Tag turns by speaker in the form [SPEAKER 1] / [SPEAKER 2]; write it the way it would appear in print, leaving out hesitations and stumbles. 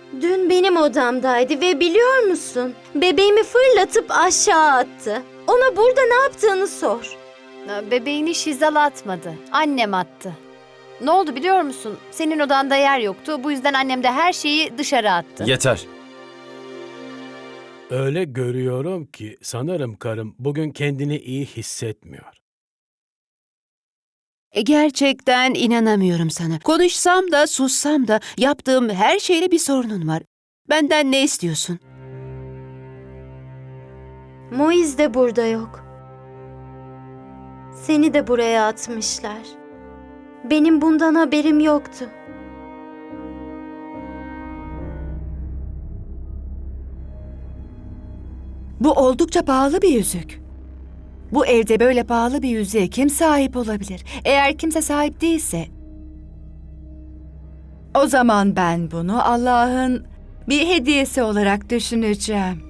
[SPEAKER 1] Dün benim odamdaydı ve biliyor musun? Bebeğimi fırlatıp aşağı attı. Ona burada ne yaptığını sor.
[SPEAKER 2] Bebeğini Şizal atmadı. Annem attı. Ne oldu biliyor musun? Senin odanda yer yoktu. Bu yüzden annem de her şeyi dışarı attı.
[SPEAKER 3] Yeter.
[SPEAKER 4] Öyle görüyorum ki sanırım karım bugün kendini iyi hissetmiyor.
[SPEAKER 5] Gerçekten inanamıyorum sana. Konuşsam da sussam da yaptığım her şeyle bir sorunun var. Benden ne istiyorsun?
[SPEAKER 1] Moiz de burada yok. Seni de buraya atmışlar. Benim bundan haberim yoktu.
[SPEAKER 5] Bu oldukça pahalı bir yüzük. Bu evde böyle pahalı bir yüzüğe kim sahip olabilir? Eğer kimse sahip değilse, o zaman ben bunu Allah'ın bir hediyesi olarak düşüneceğim.